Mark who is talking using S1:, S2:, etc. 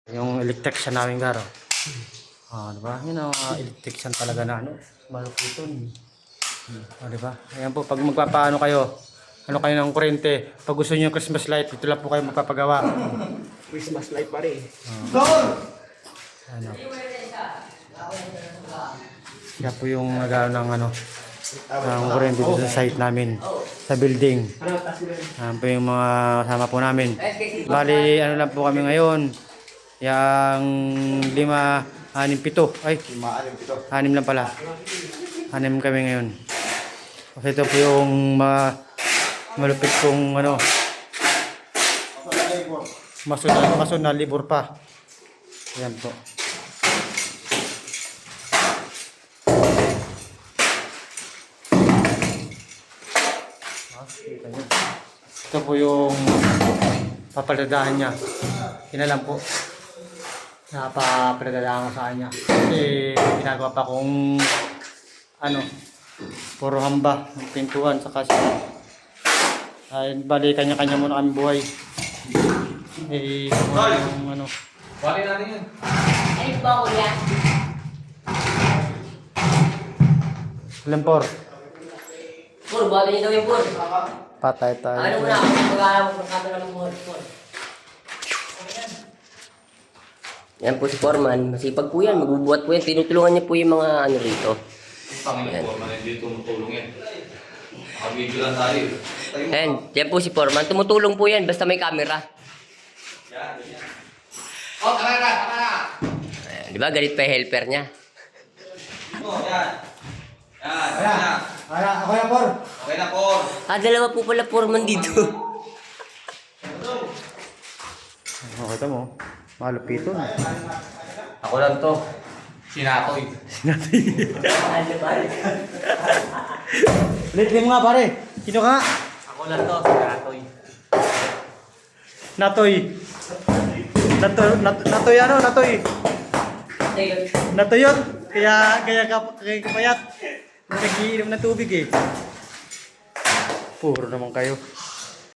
S1: Yung electrician namin garo. Diba? Yun ang electrician talaga na malupiton. Diba? Ayan po, pag magpapaano kayo, kayo ng kuryente, pag gusto niyo yung Christmas light, dito lang po kayo magpapagawa.
S2: Christmas light pa rin.
S1: Ano. Kaya po yung nagano ng ng kuryente dito sa site namin, sa building. Ayan po yung mga kasama po namin. Bali, ano lang po kami ngayon. Yang 5, 6, 7. Ay, 6 lang pala. 6 kami ngayon. Kasi ito po yung malupit kong masunod na libur pa. Ayan po. Ito po yung papaladahan niya. Yun na lang po. Napapaladahan ko sa kanya. Kasi ginagawa pa kong puro hamba ng pintuan sa kasi. Bali kanya-kanya muna kami buhay. Yung
S3: Bali natin yun.
S4: Ay, ba ko yan?
S1: Ilan por?
S4: Pur, bali niyo daw yung pur.
S1: Patay tayo.
S4: Ano muna, mag-aaral mo kung kato ng pur. Yan po si Foreman. Masipag po yan. Magbubuhat po yan. Tinutulungan niya po yung mga rito.
S3: Panginoon po, hindi tumutulong yan. Nakabidyo lang tayo.
S4: Ayan, yan po si Foreman. Tumutulong po yan basta may camera.
S3: Yan. Oh, kamera!
S4: Ayan, di ba? Galit pa yung helper niya.
S3: Oh, yan. Yan.
S1: Ako na por.
S3: Okay na po.
S4: Dalawa po pala Foreman dito.
S1: Kita mo. Malupiton.
S3: Ako lang to. Sinatoy.
S1: Ulit mo nga pare. Sino ka nga?
S3: Ako lang to. Sinatoy.
S1: Natoy. Natoy ano? Natoy. Natoy yun. Kaya kapayat. Nagiinom ng tubig eh. Puro naman kayo.